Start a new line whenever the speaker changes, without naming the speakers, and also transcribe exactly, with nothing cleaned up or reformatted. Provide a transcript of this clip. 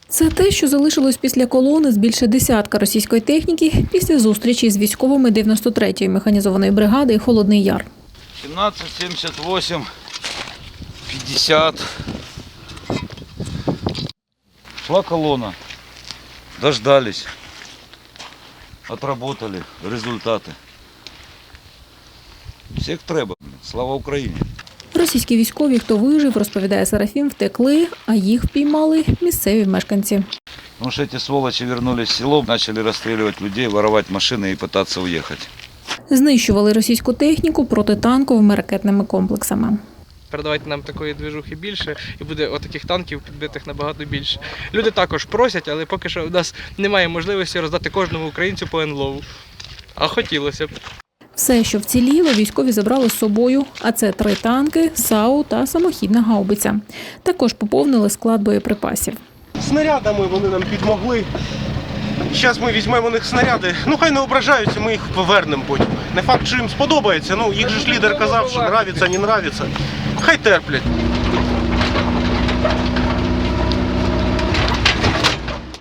Це те, що залишилось після колони з більше десятка російської техніки після зустрічі з військовими дев'яносто третьої механізованої бригади «Холодний Яр».
сімнадцять сімдесят вісім п'ятдесят. Шла колонна. Дождались. Отработали результати. Всіх треба. Слава Україні.
Російські військові, хто вижив, розповідає Серафім, втекли, а їх впіймали місцеві мешканці.
Потому что эти сволочи вернулись в село, начали расстреливать людей, воровать машины и пытаться уехать.
Знищували російську техніку протитанковими ракетними комплексами.
Передавайте нам такої движухи більше, і буде отаких танків підбитих набагато більше. Люди також просять, але поки що в нас немає можливості роздати кожному українцю по НЛОВу. А хотілося б.
Все, що вціліло, військові забрали з собою, а це три танки, САУ та самохідна гаубиця. Також поповнили склад боєприпасів.
Снарядами вони нам підмогли. Зараз ми візьмемо у них снаряди. Ну хай не ображаються, ми їх повернемо потім. Не факт, що їм сподобається. Ну їх же ж лідер казав, що нравиться, не нравиться. Хай терплять.